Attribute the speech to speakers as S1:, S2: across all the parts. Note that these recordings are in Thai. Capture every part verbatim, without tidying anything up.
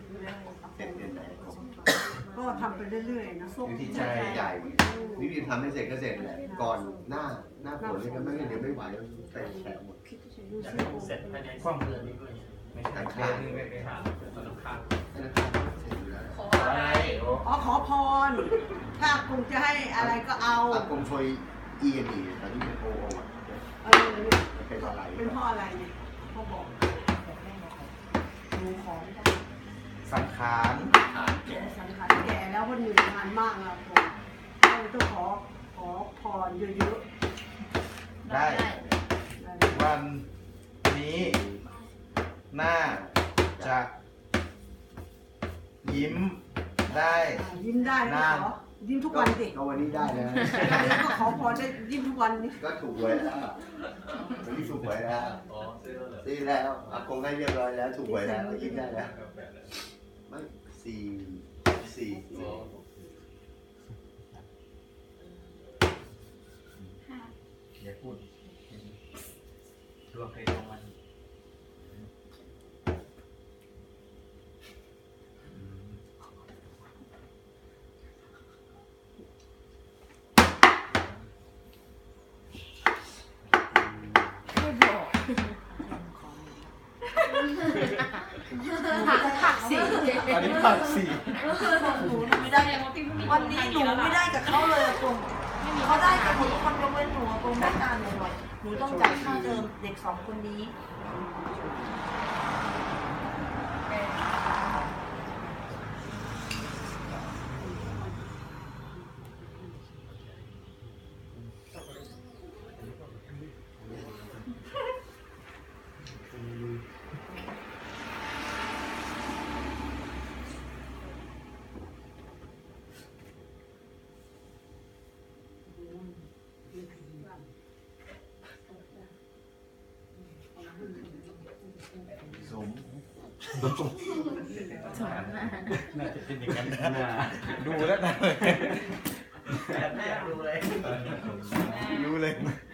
S1: เสร็จเดือนไหน
S2: ก็ทำไปเรื่อยๆนะ
S1: อยู่ที่ใจใหญ่วิธีทำให้เสร็จก็เสร็จแหละก่อนหน้าหน้าฝนเลยก็ไม่งั้นเดี๋ยวไม่ไหวเต็มแฉะหมด
S3: อยากให้ผมเสร็จภายในสองเดือนนี้ด้วยไม่ใช่เดือนนึงไปหาธนาคาร
S1: ธนาคารเสร็จอยู่แล้ว
S4: ขออะไร
S2: อ๋อขอพรถ้าคงจะให้อะไรก็เอา
S1: อากงช่วยอีเอ็นดีตอนนี้เป็นโอโอ
S2: เออ
S1: เป็นอะไร
S2: เป็นเพราะอะไรเนี่ยเขาบอกดูของ
S5: สังขาร
S2: แก่สังขารแก่แล้วมันเหนื่อยงานมากแล้วผมก็เลยต้องขอขอพรเยอะ
S5: ๆได้วันนี้หน้าจะยิ้มได้
S2: ยิ้มได้ไม่ขอยิ้มทุกวันสิ
S1: ก็วันนี้ได้แล้ว
S2: ก็ขอพรได้ยิ้มทุกวันนี่
S1: ก็ถูกไว้แล้ววันนี้ถูกไว้แล้วซื้อแล้วอากงให้เรียบร้อยแล้วถูกไว้แล้วยิ้มได้แล้วไม่สี่สี่
S3: อย่าพูดรวมไปตรงมัน
S4: ผักสี
S5: อันนี้ผักสี
S4: หนูไม่ได้วันนี้หนูไม่ได้กับเขาเลยตรงเขาได้กับหมดทุกคนยกเว้นหนูตรงได้การหน่อยหนูต้องจ่ายค่าเทอมเด็กสองคนนี้
S1: สม
S3: น่าจะเป็นอย่างนั้นนะ
S5: ดูแล้วนะ
S3: แบบแรกดูเลย
S5: รู้เลย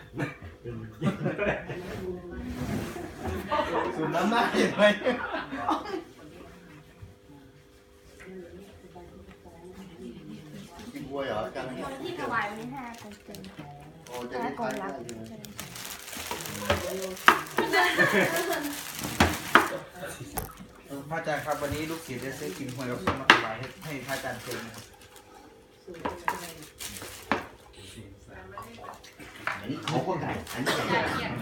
S5: สูดน้ำหน้าเห็นไหม
S1: กินบัวเหรอจัง
S4: ที่ถวายวันนี้ห้าคนเต็ม
S1: โอ้จะได้ทานได้อยู่
S5: พระอาจารย์ครับวันนี้ลูกศิษย์ได้ซื้อกินหวยกับส้มมาถวายให้ให้พระอาจารย์เชิญนะครับ
S1: อันนี้เขาก็ไก่อันนี้ไก่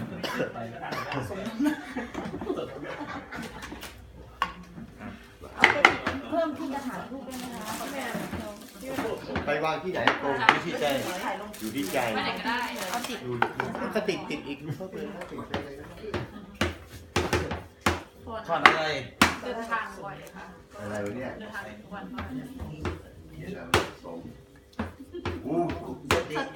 S4: เอาไปเพิ่มที่กระถางทูบด้วยนะคะ
S1: ไปวางที่ไหนตรงที่ใจอยู่ที่ใจ
S4: ไปไหนก็ได้เอาติด
S1: อยู่ก็ติดติดอีกเขาเป็นติดไปเลย
S5: ทอดอะไร
S4: เดินทางบ่อยค่ะ
S1: อะไรวะเนี่ย
S4: เดินทางทุกวัน
S1: เดี๋ยวสมอู้
S4: สติ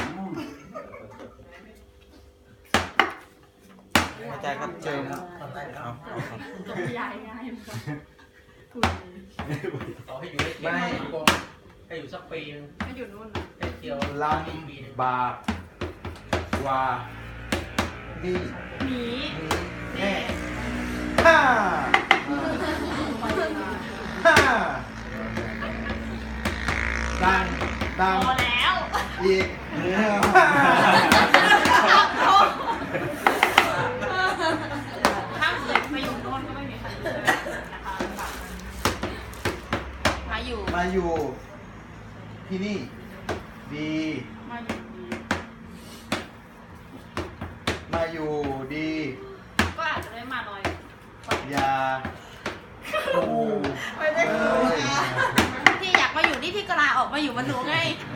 S5: อาจารย์ครับเจิม
S4: ใหญ่ง่าย
S3: ต่อให้อยู่ได้ไม่ให้อยู่สักปีนึง
S4: ให้อยู่นู่น
S3: ให้เที่ยว
S5: ลำบากกว่าดี
S4: หนี
S5: แน่ฮ่าฮ่าดังดัง
S4: พอแล้ว
S5: อีก
S4: ถ้าเกิดมาอยู่โน่นก็ไม่มีใครนะคะมาอยู่
S5: มาอยู่ที่นี่ดี
S4: มาอยู่ดี
S5: มาอยู่ดี
S4: ก็อาจจะได้มาน้อย
S5: อย่าโอ้
S4: ไม่ได้ที่อยากมาอยู่นี่พี่ก็ลาออกมาอยู่มันหนูไง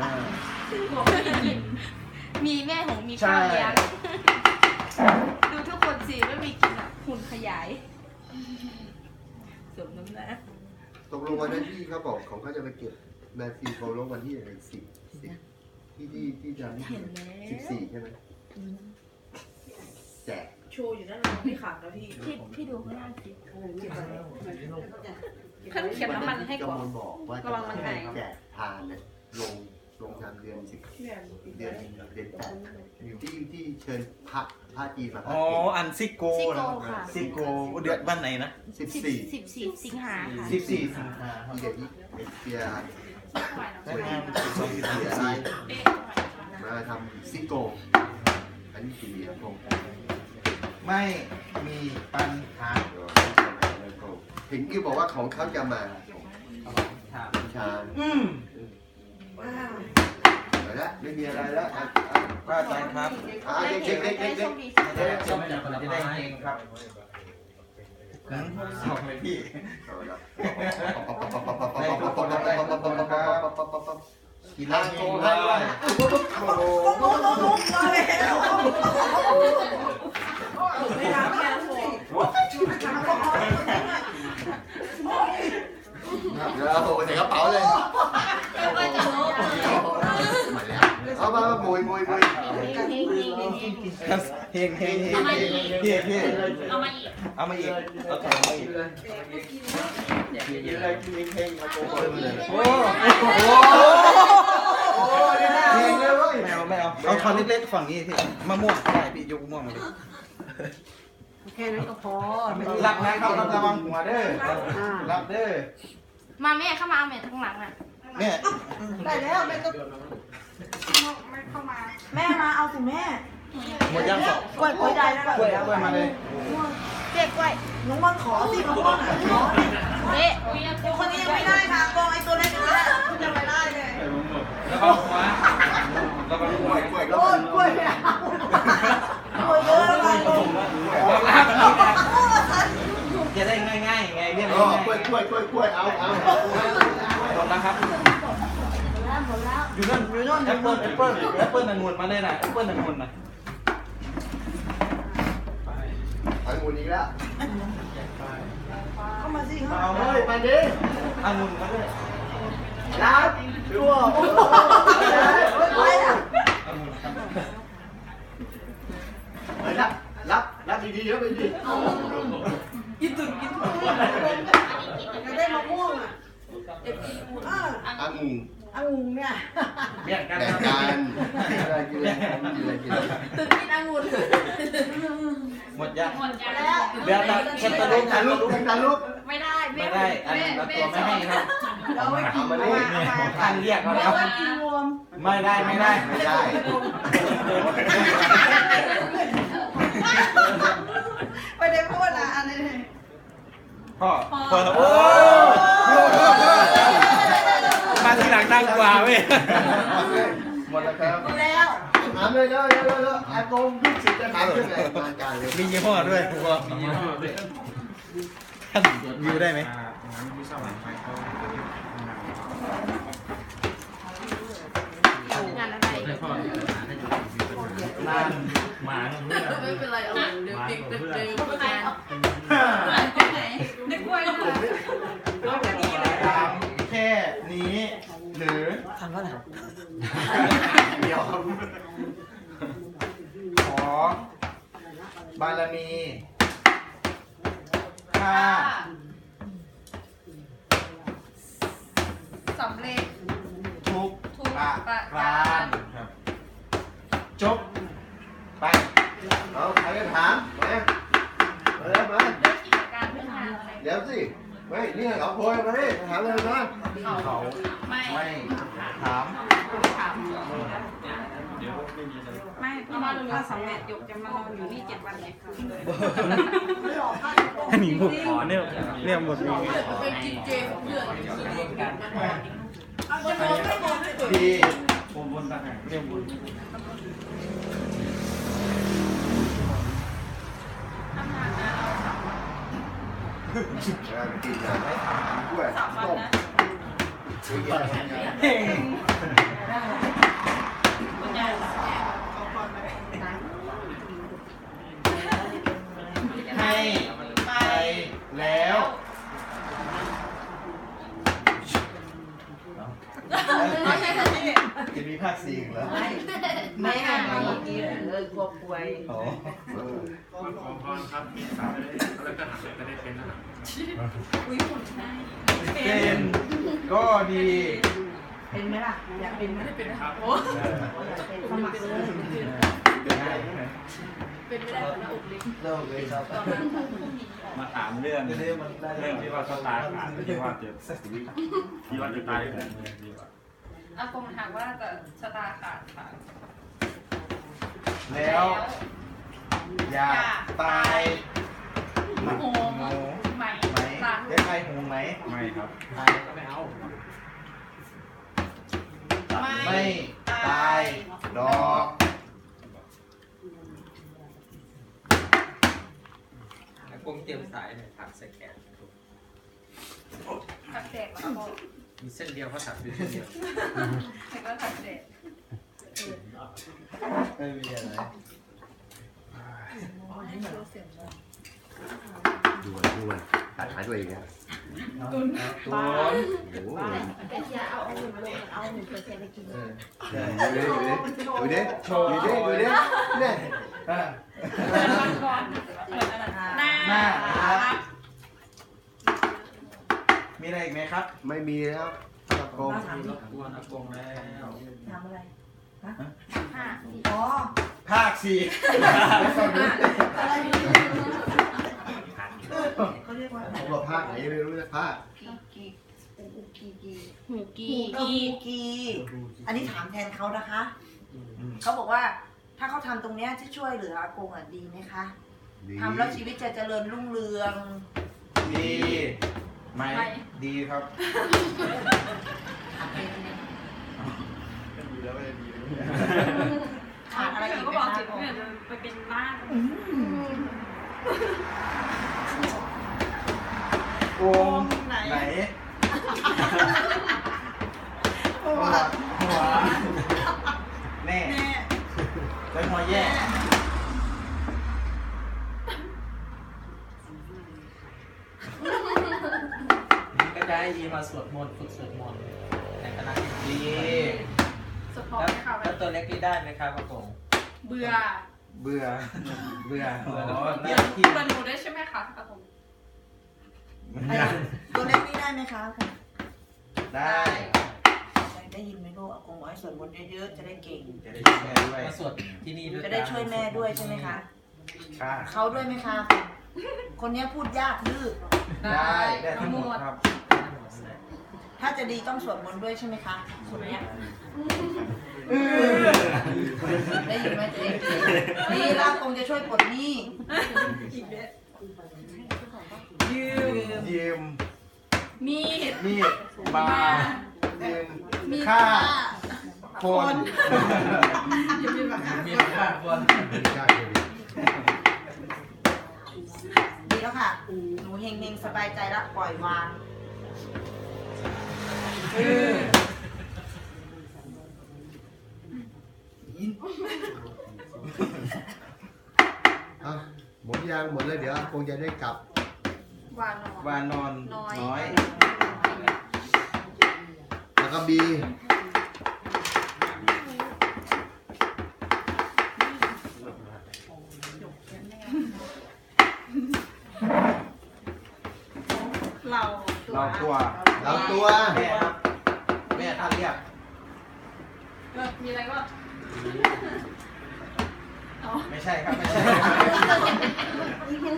S4: มีแม่หงมีข้าวเลี้ยงดูทุกคนสิไม่มีกินอ่ะหุ่นขยายสมน้ำหนัก
S1: ตกลงวันนั้นที่เขาบอกของเขาจะไปเก็บแมนซีเขาลงวันที่อะไรสิบสิบที่ที่ที่จะสิบสี่ใช่ไหมแจก
S4: โชว์อยู่นั่นเราไม่ขาดแล้วพี่พี่พี่ดูข้างล่างสิขั้นเขียนน้ำมันให้ก่อน
S1: บอกว่าจะแจกทานเนี่ยลงลงทำเดือนสิบเดือนเดือนแปดอยู่ที่ที่เชิญพระพระจีนมา
S5: อ๋ออันซิโกนะซิโกเดือนวันไหนนะ
S1: สิบสี่
S4: สิบสี่สิงหาค่ะ
S5: สิบสี่สิงหาค
S1: ที่
S5: รับ
S1: เดียวที่เปีย
S5: ได้งานสิบสองสิบ
S1: เปีย
S5: สี่
S1: มาทำซิโกอันนี้สี่ครับผม
S5: ไม่มีปัญหา
S1: เห็นกี้บอกว่าของเขาจะมา
S5: ถาม
S1: ชา
S5: อืม
S1: ไปแล้วไม่มีอะไรแล้วอ่ะ
S5: พระอาจารย์ครับ
S1: อ่ะเด็กเด็กเด็กเด็กเด็ก
S5: จะได้จะได้เองครับหืมสองเลยพี่ กิน
S1: ทา
S5: แล้ว
S1: งโก
S5: กิน
S1: ให้
S5: ได้
S1: โอ้โห
S2: ไม่ได้ไม่ได้โอ้
S1: เดี๋ยวโอ้โหใส่กระเป๋าเลยเอามามามุยมุยมุย
S5: เฮงเฮงเฮงพี่พี่
S4: เอามาอีก
S5: เอามาอีกเอาแถมมาอีก
S1: กินอะไรกินเองมาโกงเลย
S5: โอ้โห
S1: โอ้ยเองเลยเว้ย
S5: ไม่เอาไม่เอาเอาช้อนเล็กๆฝั่งนี้พี่มะม่วงได้พี่ยกมะม่วงมาเลย
S2: แค่นั้นก็พอ
S5: รับนะครับระวังหัวเด้อรับเด้อ
S4: มาแม่เข้ามาเอาแม่ข้างหลังอ่ะ
S5: แม่
S2: ได้แล้วไม่ต้องไม่เข้ามา
S4: แม่มาเอาสิแม่
S5: หมดยังสอง
S4: กล้วยกล้วยได้แล้ว
S5: กล้วยกล้วยมาเลย
S4: เจ๊กล้วย
S2: น้องวันขอสิน้องวันอ่ะขอสิ
S4: เจ๊
S2: คนนี้ยังไม่ได้ค่ะกองไอ้ตัวเล็กนี่แหละยังไม่ได้เลย
S5: แล้วก็หัวแล้วก็หัว
S1: กล้วย
S2: โอ้ยกล้วยไม่เอากล้วยเยอะแล้วกัน
S5: จะได้ง่ายๆไงเรียก
S1: อ๋อกล้วยกล้วยกล้วยกล้วยเอาเอา
S5: หมดแล้วครับ
S2: หมดแล้ว
S5: อยู่นั่นอยู่นั่นแอปเปิ้ลแอปเปิ้ลแอปเปิ้ลองุ่นมาเลยนะแอปเปิ้ลองุ่นนะ
S1: ทางมูนี้แล้ว
S2: เข้ามาสิ
S5: มา
S2: เข้า
S5: เอา
S1: เฮ้
S5: เลย ย
S1: ไปดิ
S5: องุ่นมาด้วย
S1: รับชัวร์
S2: ไปอ่ะ
S5: องุ่นครับ
S1: เฮ้ยรับรับรับดีๆแล้วไปดิ
S2: กินตุ่นกินตุ่นจะได้มะม่วงอ่ะเด็กกินอ่ะ
S1: อังุ่ง
S2: องุ่นเนี่ย
S5: เบี้ยกัน
S1: แบ่งกันอะไรกินอะไรกินอะไรกินอะไร
S4: ตึกกินองุ่น
S5: หมดยัง
S4: หมดแล้ว
S5: เดี๋ยวนะแค่ตะลุ
S1: ตาก ลุกตาลุก
S4: ไม่ได้
S5: ไม่ได้อันนั้นเราตัวไม่ให้ครับ
S2: เราไม่กิน
S1: เอามาเลย
S5: ท่านเรียกเรา
S2: เรา
S5: แล้ว
S2: ไม่กินรวม
S5: ไม่ได้ไม่ได้
S1: ไม่ได้
S2: ไม่ได้พูดนะอันนี้
S5: พ่อเปิดโอ้มาทีหลังดังกว่าเว้ย
S1: หมดแล้วครับ
S2: หมดแล้ว
S1: ถามเลยแล้วแล้วแล้วอากงลูกศิษย์จะถามเรื่องอะไรมาการเลย
S5: มียี่ห้อด้วยผมบอกมียี่ห้อด้วยท่านวิวได้ไหม
S4: งานอะไร
S5: นาน
S3: หมา
S4: ไม่เป็นไรเอาเดี๋ยวเด็กเด็กเด็กใครเอาเด็กกล้วย
S5: ถามแค่นี้หรือ
S2: ทำว่าอะไร
S1: เดี๋ยว
S5: ขอบารมีข้า
S4: สำเร็จ
S5: ทุก
S4: ทุก
S5: ประ
S4: ประ
S5: กา
S4: การ ร
S5: ครับจบไป
S1: เอาใครจะถามมามาแล้วมา
S4: ด้วยกิจการเพื่อนงานอะไร
S1: เดี๋ยวสิไม่นี่เขาโพยมาดิถามเลยมา
S5: เขา
S4: ไม่
S5: ไม่ถาม
S4: ถาม
S6: ไม่พี่มาดูว่าสำเร็จยกจะมานอนอยู่นี่เจ็ดวันเนี่ย
S5: อันนี้ผมขอเนี่ยเนี่ยหมดมี
S4: เป็นกินเจของเพื่อน
S2: เอาจะมองไม่มองไม่ตื่น
S5: ดีผมบนต่างหากเรียกบน
S4: ทำงานนะเอาสามวัน
S1: กินนะกล้วย
S4: สามวัน
S1: ต้ม
S4: นะ
S5: เฮ้ย
S4: คุณยาย
S5: ให้ไปแล้วจะมีภาคสี่อีกแล้ว
S6: ไม่ให้มาเมื่อกี้เลยกลัวป่วย
S5: อ๋อ
S3: ขอพรครับมีสาวแล้วก็หักก็ได้เป็นนะ
S4: อุ้ยหุ่นได้
S5: เป็นก็ดี
S4: เป็นไหมล่ะอยากเป็นไหม
S6: เป็นนะครับโอ้
S4: อยากเป็นสมัครเลย
S6: เป็นไม่ได้แต่หน้าอกเล็ก
S1: เริ่มเลยครับ
S7: มาถามเรื่องเรื่องที่ว่าชะตาขาดที่ว่าจะที่ว่าจะตายแบบนี้ดีกว่า
S6: อากงถามว่าจะชะตาขาดค่ะ
S5: แล้ว อยากตาย
S6: โหงไหม
S5: ไหม
S6: ตัด
S5: ได้ใครหงไหม
S7: ไม่ครับ
S5: ตายก็ไม่เอา ไม่ตายดอก
S3: กงเตรียมสายเนี่ยถักใส่แขน
S6: ถักแตกแล้วก็
S3: มีเส้นเดียวเขาถักอยู่เส้นเดียว
S6: แล้วก็ถักแตก
S1: ไม่มีอะไรดูมันดูมันตัดหายตัวเองเนี่ย
S5: ตุน
S1: โอ้โห
S2: แต่ที่เอาเอาหนึ่งลงเอาหนึ่งเปอร์เซ็นต์ไปกิน
S5: เออ
S1: ดูดิดูดิดูดิดูดิดูดิเนี่ย
S5: อ่ะ
S6: เปิดวันก่อนเปิดอันนั้นหน้า
S5: หน้าครับ มีอะไรอีกไหมครับ
S1: ไม่มีแล้วตะโกง
S3: มีรบกวนอากงแล้ว
S4: ทำอะไร
S6: ห้า
S4: อ๋อ
S5: ภาคสี่
S4: อะไรเขาเรียกว่าอะไร
S1: ผมบอกภาคไหนไม่รู้นะภาค
S4: กีกีอูกีกี
S6: หูกี
S4: กีกี อันนี้ถามแทนเขานะคะ เขาบอกว่าถ้าเขาทำตรงเนี้ยที่ช่วยเหลืออากงอ่ะดีไหมคะ
S1: ดี
S4: ทำแล้วชีวิตจะเจริญรุ่งเรือง
S5: ดีไหมดีครับ
S4: ขาดอะไรอีกไหม
S5: ดีแล้วไม่ดี
S4: ขาดอะไรอีก
S6: ก็
S4: ไหม
S6: บอก
S4: คะ
S6: จิตเนี่ยจะไปเป็นบ้าน
S5: โกงไหนหัวหัวแน่
S4: แน่
S5: แล้วหัวแย่
S3: ก็จะให้ยีมาสวดมนต์ฝึกสวดมนต์ในคณะ
S5: ดี
S6: สปอร์
S3: แล้ว
S6: ตค่ะ
S3: แล้วตัวเล็กนี่ได้ไหมครับอากง
S6: เบื่อ
S5: เบื่อ เบื่อ
S3: เบื่อ
S5: อ๋อห
S6: เบื่
S5: น้าที่
S6: อหนูได้ใช่ไหมคะอากง
S4: ไอ้ตัวเล็กนี่ได้ไหมคะ
S5: ได้
S4: ได้ยินไหมลูกอากงบอกให้สวดมนต์เยอะๆจะได้เก่ง
S5: จะได้ช่วยแม่ด้วย
S3: มาสวดที่นี่ด้วย
S4: จะได้ช่วยแม่ด้วยใช่ไหมคะ
S5: ค่ะ
S4: เขาด้วยไหมคะ คนเนี้ยพูดยากดื้อ
S5: ได้ได้ทั้งหมดครับ
S4: ถ้าจะดีต้องสวดมนต์ด้วยใช่ไหมคะคนเนี้ยได้ยินไหมจะได้ดีดีแล้วคงจะช่วยปลดหนี้
S5: ยืมยืม
S6: มีด
S5: มีดบายืม
S6: มี
S5: ฆ่าคน
S6: อย่าเป็นแบบ
S3: มีค่าคน
S4: ดีแล้วค่ะ หนูเฮงๆสบายใจแล้วปล่อยวาง
S1: อ่ะหมดยังหมดแล้วเดี๋ยวคงจะได้กลับ
S6: วานอน
S5: วานอนน้อย
S1: แล้วก็บี
S6: เรา
S5: เราตัว
S1: เราตัว
S5: แม่ครับแม่ท่านเรียก
S6: เออมีอะไรก็
S5: ไม่ใช่ครับ ไม่ใช่